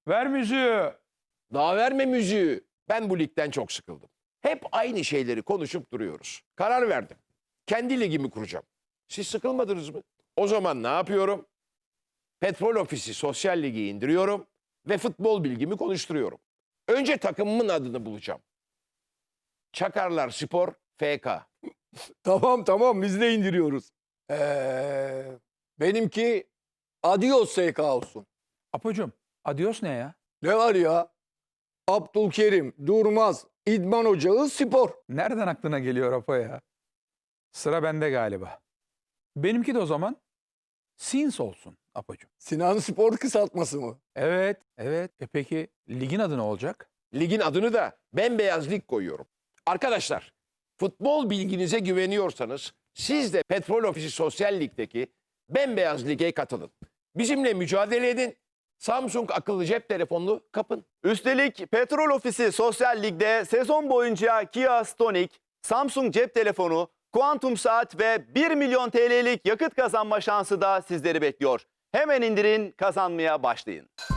Ver müziği. Daha verme müziği. Ben bu ligden çok sıkıldım. Hep aynı şeyleri konuşup duruyoruz. Karar verdim. Kendi ligimi kuracağım. Siz sıkılmadınız mı? O zaman ne yapıyorum? Petrol Ofisi Sosyal Ligi indiriyorum ve futbol bilgimi konuşturuyorum. Önce takımımın adını bulacağım. Çakarlar Spor FK. Tamam biz de indiriyoruz. Benimki Adios SK olsun. Apocuğum, adios ne ya? Ne var ya? Abdülkerim, Durmaz, İdman Ocağı, Spor. Nereden aklına geliyor Apo ya? Sıra bende galiba. Benimki de o zaman Sins olsun Apocuğum. Sinan Spor kısaltması mı? Evet. Peki ligin adı ne olacak? Ligin adını da Bembeyaz Lig koyuyorum. Arkadaşlar, futbol bilginize güveniyorsanız siz de Petrol Ofisi Sosyal Lig'deki Bembeyaz Lig'e katılın. Bizimle mücadele edin. Samsung akıllı cep telefonunu kapın. Üstelik Petrol Ofisi Sosyal Lig'de sezon boyunca Kia Stonic, Samsung cep telefonu, kuantum saat ve 1 milyon TL'lik yakıt kazanma şansı da sizleri bekliyor. Hemen indirin, kazanmaya başlayın.